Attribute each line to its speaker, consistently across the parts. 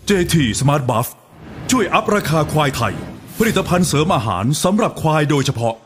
Speaker 1: JT Smart Buff ช่วยอัพราคาควายไทยผลิตภัณฑ์เสริมอาหารสำหรับควายโดยเฉพาะ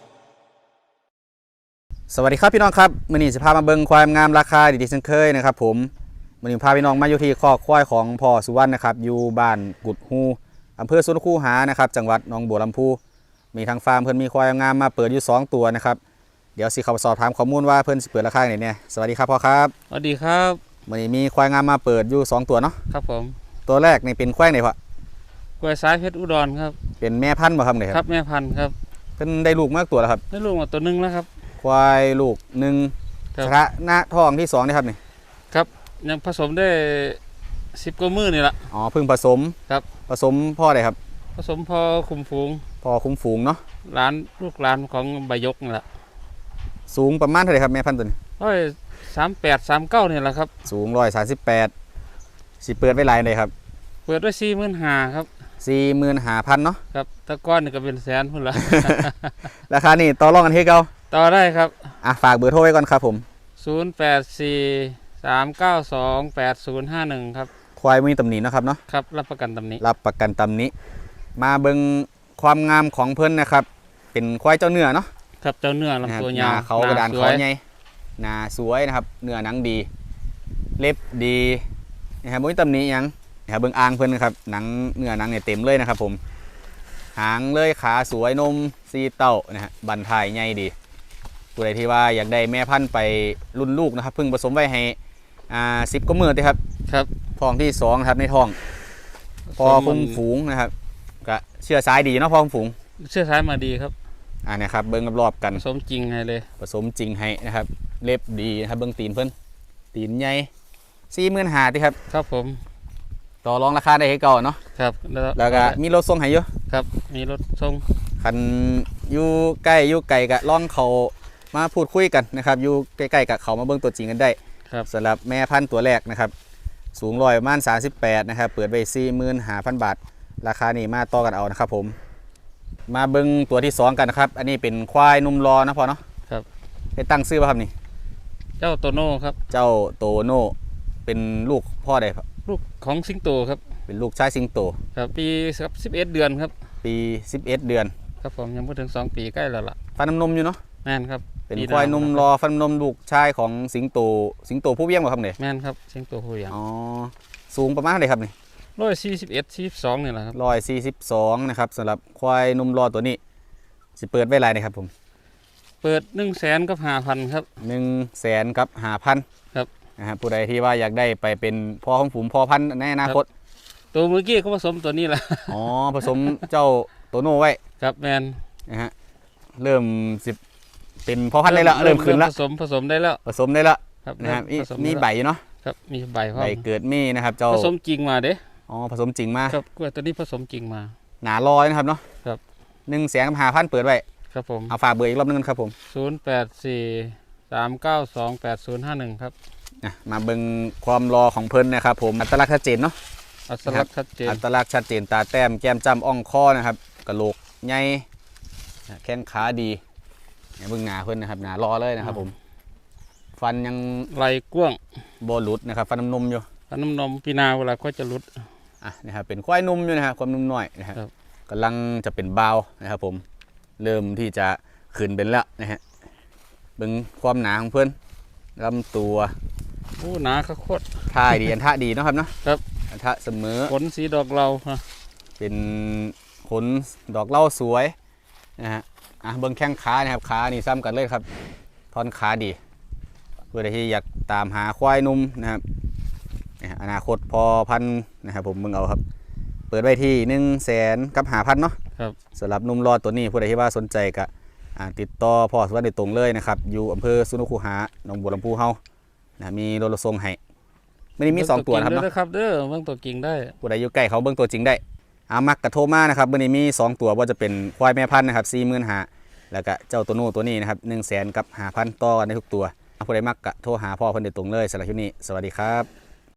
Speaker 2: สวัสดีครับพี่น้องครับมื้อนี้จะพามาเบิ่งควายงามราคาดีๆเช่นเคยนะครับผมมื้อนี้พาพี่น้องมาอยู่ที่คอกควายของพ่อสุวรรณนะครับอยู่บ้านกุดฮูอำเภอสวนคูหานะครับจังหวัดหนองบัวลำพูมีทางฟาร์มเพิ่นมีควายงามมาเปิดอยู่2ตัวนะครับเดี๋ยวสิเข้าไปสอบถามข้อมูลว่าเพิ่นสิเปิดราคาไหนเนี่ยสวัสดีครับพ่อครับ
Speaker 3: สวัสดีครับ
Speaker 2: มื้อนี้มีควายงามมาเปิดอยู่2ตัวเนาะ
Speaker 3: ครับผม
Speaker 2: ตัวแรกนี่เป็นควายไหนพ่อก
Speaker 3: ล้วยสายเพชรอุดรครับ
Speaker 2: เป็นแม่พันธุ์บ่ครับเนี่ย
Speaker 3: ครับแม่พันธุ์ครับ
Speaker 2: เพิ่นได้ลูกมากตัวแล้วครับ
Speaker 3: ได้ลูกมาตัวนึงแล้วครับ
Speaker 2: ควายลูก1ชะหน้าท้องที่2นี่ครับนี่
Speaker 3: ครับยังผสมได้10กว่ามื้อนี่ละ
Speaker 2: อ๋อเพิ่งผสม
Speaker 3: ครับ
Speaker 2: ผสมพ่อใดครับ
Speaker 3: ผสมพอคุมฝูง
Speaker 2: พ่อคุมฝูงเนาะ
Speaker 3: ลูกหลานของใบยกนี่แหละ
Speaker 2: สูงประมาณเท่าไหร่ครับแม่พันธุ์ตัวนี้
Speaker 3: 38 39นี่แหละครับ
Speaker 2: สูง138สิเปิดไว้หลายเลยครับ
Speaker 3: เปิดด้วย45,000ครับ
Speaker 2: 45,000เนาะ
Speaker 3: ครับตะก้อนนี่ก็เป็นแสนพุ่นละ
Speaker 2: ราคานี่ต่อรองกันเฮ็ดเก่า
Speaker 3: ต่อได้ครับ
Speaker 2: ฝากเบอร์โทรไว้ก่อนครับผม
Speaker 3: 084 392 8051ครับ
Speaker 2: ควายมีตำหนิเนาะครับเนาะ
Speaker 3: ครับรับประกันตำหนิ
Speaker 2: รับประกันตำหนิมาเบิ่งความงามของเพิ่นนะครับเป็นควายเจ้าเนื้อเนาะ
Speaker 3: ครับเจ้าเนื้อลำตัวยาว
Speaker 2: เขากระดานเขาใหญ่หน้าสวยนะครับเนื้อหนังดีเล็บดีนะครับบ่มีตำหนิหยังนะครับเบิ่งอ่างเพิ่นนะครับหนังเนื้อหนังเนี่ยเต็มเลยนะครับผมหางเลยขาสวยนมซีเต้านะฮะบันทายใหญ่ดีผู้ใดที่ว่าอยากได้แม่พันธุ์ไปรุ่นลูกนะครับเพิ่งผสมไว้ให้10กว่ามื้อติครับ
Speaker 3: ครับ
Speaker 2: ท้องที่2นะครับในท้องพอคุมฝูงนะครับก็เชื่อสายดีเนาะพอคุมฝูง
Speaker 3: เชื่อสายมาดีครับ
Speaker 2: นะครับเบิ้งรอบๆกัน
Speaker 3: ผสมจริงให้เลย
Speaker 2: ผสมจริงให้นะครับเล็บดีนะครับเบิ้งตีนเพิ่นตีนใหญ่45,000ติครับ
Speaker 3: ครับผม
Speaker 2: ต่อรองราคาได้ให้ก่อนเนาะ
Speaker 3: ครับ
Speaker 2: แล้วก็มีรถส่งให้อยู่
Speaker 3: ครับมีรถส่ง
Speaker 2: คันอยู่ใกล้อยู่ไกลก็ลองเขามาพูดคุยกันนะครับอยู่ใกล้ๆกับเขามาเบิ้งตัวจริงกันได้
Speaker 3: ครับ
Speaker 2: สำหรับแม่พันธุ์ตัวแรกนะครับสูงประมาณ38นะครับเปิดไว้45,000 บาทราคานี้มาต่อกันเอานะครับผมมาเบิ้งตัวที่2กันนะครับอันนี้เป็นควายนุ่มรอนะพอเนาะ
Speaker 3: ครับ
Speaker 2: ได้ตั้งชื่อป่ะครับนี่
Speaker 3: เจ้าโตโน่ครับ
Speaker 2: เจ้าโตโน่เป็นลูกพ่อใดครับ
Speaker 3: ลูกของสิงโตครับ
Speaker 2: เป็นลูกชายสิงโต
Speaker 3: ครับปีครับ11เดือนครับ
Speaker 2: ปี11เดือน
Speaker 3: ครับผมยังไม่ถึง2ปีใกล้แล้วล่ะ
Speaker 2: ฟันน้ำนมอยู่เนาะ
Speaker 3: แม่นครับ
Speaker 2: เป็นควายนุ่มรอฟันนมลูกชายของสิงโตผู้เวียงป่ะครับเนี่ย
Speaker 3: แม่นครับสิงโตผู้เวียง
Speaker 2: อ๋อสูงประมาณเท่าไหร่ครับนี่
Speaker 3: 141 42นี่แหละครับ
Speaker 2: 142นะครับสำหรับควายนุ่มรอตัวนี้สิเปิดไว้ไรนะครับผม
Speaker 3: เปิด100,000กับ5,000ครับ
Speaker 2: 100,000กับ5,000
Speaker 3: ครับ
Speaker 2: นะครับผู้ใดที่ว่าอยากได้ไปเป็นพ่อของฝูงพ่อพันธุ์ในอนาคต
Speaker 3: ตัวเมื่อกี้เขาผสมตัวนี้แหละ
Speaker 2: อ๋อผสมเจ้าโตโน่ไว้
Speaker 3: ครับแมน
Speaker 2: นะฮะเริ่มเป็นพ่อพันธุ์ได้แล้วเริ่มขึ้นแล้ว
Speaker 3: ผสมได้แล้ว
Speaker 2: นะครับมีใบเนาะ
Speaker 3: ครับมีใบ
Speaker 2: เกิดมีนะครับเจ้า
Speaker 3: ผสมจริงมาเด้
Speaker 2: อ๋อผสมจริงมา
Speaker 3: ครับกล้วยตัวนี้ผสมจริงมา
Speaker 2: หนาลอยนะครับเนาะ
Speaker 3: ครับ
Speaker 2: 100,000กับ5,000เปิดไว้
Speaker 3: ครับผม
Speaker 2: เอาฝากเบอร์อีกรอบนึงครับผม
Speaker 3: 084 392 8051ครับ
Speaker 2: มาเบิ่งความรอของเพิ่นนะครับผมอัตลักษณ์ชัดเจนเนาะ
Speaker 3: อัตลักษณ์ชัดเจน
Speaker 2: ตาแต้มแก้มจ้ำอ่องคอนะครับกระโหลกใหญ่แข้งขาดีเบิ่งหน้าเพิ่นนะครับหน้ารอเลยนะครับผมฟันยัง
Speaker 3: ไหลกว้าง
Speaker 2: โบหลุดนะครับฟันน้ำนมอยู่
Speaker 3: ฟันน้ำนมปีนาเวลาก็จะหลุด
Speaker 2: นะครับเป็นควายนุ่มอยู่นะครับความนุ่มน้อยนะครับกำลังจะเป็นบาวนะครับผมเริ่มที่จะขึ้นเป็นแล้วนะฮะเบิ่งความหนาของเพิ่นลำตัว
Speaker 3: หนาโคตร
Speaker 2: ท่าดีอันท่าดีนะครับเนาะ
Speaker 3: ครับ
Speaker 2: อันท่าเสมอ
Speaker 3: ขนสีดอกเรา
Speaker 2: เป็นขนดอกเหล้าสวยนะฮะเบิ่งแข้งขานะครับขานี่ซ้ำกันเลยครับท่อนขาดีเพื่อที่อยากตามหาควายนุ่มนะครับอนาคตพอพันนะครับผมมึงเอาครับเปิดไว้ที่100,000กับ5,000เนาะสำหรับนุ่มรอดตัวนี้ผู้ใดที่ว่าสนใจก็ติดต่อพ่อสุวรรณโดยตรงเลยนะครับอยู่อำเภอสุนทรคูหาหนองบัวลำพูเฮามีรถส่งให้ไม่ได้มี2ตัวนะครับเนาะ
Speaker 3: ครับเบิ่งตัวจริงได้
Speaker 2: ผู้ใดอยู่ใกล้เขาเบิ่งตัวจริงได้มักกระโทรมานะครับมื่อนี้มี2ตัวว่าจะเป็นควายแม่พันธุ์นะครับ45,000แล้วก็เจ้าตัวโน่ตัวนี้นะครับ100,000กับ5,000ต่อกันได้ทุกตัวผู้ใดมักกระโทรหาพ่อเพิ่นโดยตรงเลยสำหรับคลิปนี้สวัสดีครับ